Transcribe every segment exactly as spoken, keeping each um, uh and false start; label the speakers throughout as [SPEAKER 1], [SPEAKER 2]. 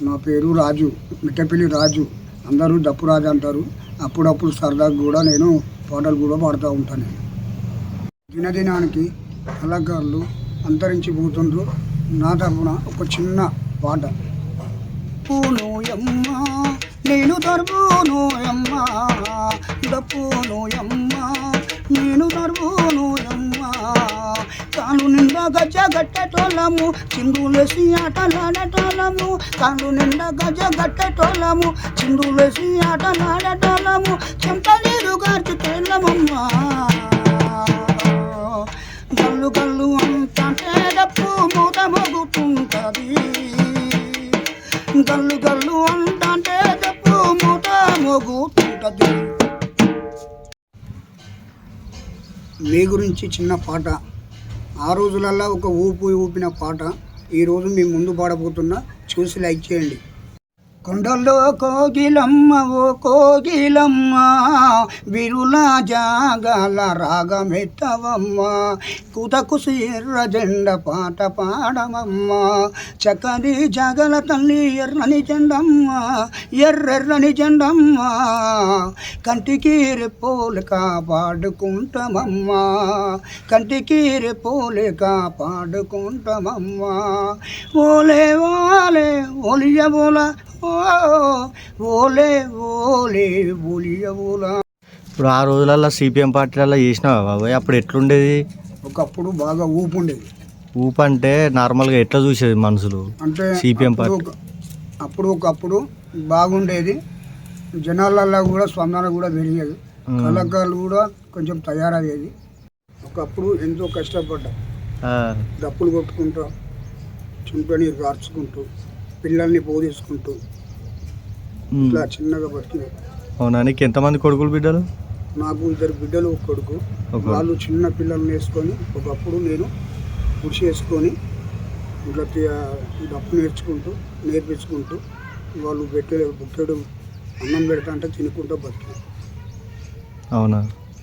[SPEAKER 1] నా పేరు రాజు, మిట్టపల్లి రాజు. అందరూ డప్పు రాజు అంటారు. అప్పుడప్పుడు సరదాగా కూడా నేను పాటలు కూడా పాడుతూ ఉంటాను. దినదినానికి కళాకారులు అంతరించిపోతుండ్రు. నా తరఫున ఒక చిన్న పాట. పూనోయమ్మ నేను దర్బోనోయమ్మ, డప్పునోయమ్మ నేను దర్బోనోయమ్మ. కాళ్ళు నిండా గజ గట్టెటోళ్ళము, చిందులేసి ఆటలాడేటోళ్ళము. కాళ్ళు నిండా గజ గట్టెటోళ్ళము, చిందులేసి ఆటలాడేటోళ్ళము. చెంట నీరు గార్చి తేళ్ళమమ్మా. గల్లు గల్లు అంటే డప్పు మూత మోగుతుంటది. గల్లు గల్లు అంటే డప్పు మూత మోగుతుంటది. మీ గురించి చిన్న పాట. ఆ రోజులల్లో ఒక ఊపు ఊపిన పాట ఈరోజు మీ ముందు పాడబోతున్నా. చూసి లైక్ చేయండి. కొండల్లో కోగిలమ్మ ఓ కోగిలమ్మ, విరుల జాగల రాగమెత్తవమ్మ. కుతకుసి ఎర్ర జెండ పాట పాడమమ్మ. చక్కని జాగల తల్లి ఎర్రని జెండమ్మ, ఎర్రెర్రని జెండమ్మ. కంటికి రెప్పోలు కాపాడుకుంటామమ్మ, కంటికి రెప్పోలు కాపాడుకుంటామమ్మ. ఓలే ఓలే ఓలియ ఓల ఓలే ఓలే ఓలియ ఓల.
[SPEAKER 2] ఇప్పుడు ఆ రోజులలో సిపిఎం పార్టీలలో చేసినావా బాబాయ్? అప్పుడు ఎట్లుండేది?
[SPEAKER 1] ఒకప్పుడు బాగా ఊపు ఉండేది.
[SPEAKER 2] ఊపు అంటే నార్మల్గా ఎట్లా చూసేది మనుషులు
[SPEAKER 1] అంటే
[SPEAKER 2] సిపిఎం పార్టీ?
[SPEAKER 1] అప్పుడు ఒకప్పుడు బాగుండేది. జనాలల్లో కూడా స్పందన కూడా పెరిగేది. కళాకారులు కూడా కొంచెం తయారయ్యేది. ఒకప్పుడు ఎంతో కష్టపడ్డా, డప్పులు కొట్టుకుంటూ, చుంటని కార్చుకుంటూ, పిల్లల్ని బోధించుకుంటూ ఇట్లా చిన్నగా బతికిన.
[SPEAKER 2] అవునా? నీకు ఎంతమంది కొడుకులు బిడ్డలు?
[SPEAKER 1] నాకు ఇద్దరు బిడ్డలు, ఒక కొడుకు. వాళ్ళు చిన్న పిల్లల్ని వేసుకొని ఒకప్పుడు నేను కృషి చేసుకొని ఇట్లా డప్పు నేర్చుకుంటూ నేర్పించుకుంటూ వాళ్ళు పెట్టే బుక్కెడు అన్నం పెడతా అంటే తినుకుంటూ బతికి.
[SPEAKER 2] అవునా?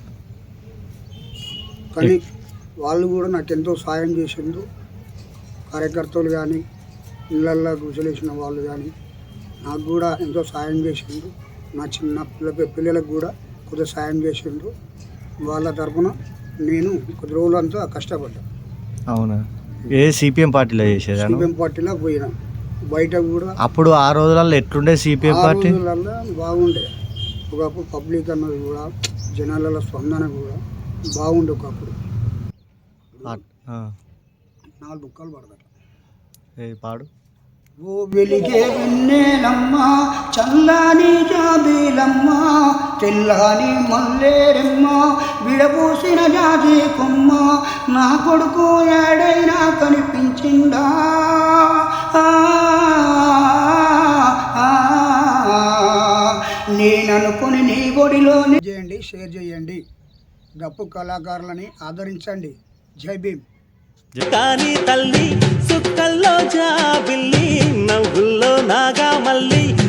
[SPEAKER 1] కానీ వాళ్ళు కూడా నాకు ఎంతో సాయం చేసిండ్రు. కార్యకర్తలు కానీ, ఇళ్ళల్లో గుసలేసిన వాళ్ళు కానీ నాకు కూడా ఎంతో సాయం చేసిండ్రు. నా చిన్న పిల్ల పిల్లలకు కూడా కొద్దిగా సాయం చేసిండ్రు. వాళ్ళ తరఫున నేను కొద్ది రోజులంతా కష్టపడ్డా.
[SPEAKER 2] అవునా? ఏ సిపిఎం పార్టీలో చేసేది?
[SPEAKER 1] సిపిఎం పార్టీలో పోయినా. బయట కూడా
[SPEAKER 2] అప్పుడు ఆ రోజులలో ఎట్లుండే సిపిఎం పార్టీ?
[SPEAKER 1] రోజులలో బాగుండే. ఒకప్పుడు పబ్లిక్ అన్నది కూడా, జనాల స్పందన కూడా బాగుండే. ఒకప్పుడు నాలుగు బుక్కలు పడతారు.
[SPEAKER 2] ఏ పాడు.
[SPEAKER 1] ఓ వెలిగే వెన్నెలమ్మ, చల్లని జాబిలమ్మ, తెల్లని మల్లేరమ్మ, విడబూసిన జాజి కొమ్మ. నా కొడుకు ఏడైనా కనిపించిందా? నేననుకుని నీ ఒడిలో చేయండి, షేర్ చేయండి. డప్పు కళాకారులని ఆదరించండి. జై భీమ్.
[SPEAKER 3] కానీ తల్లి సుక్కల్లో జాబిల్లి, నవ్వుల్లో నాగా మల్లి.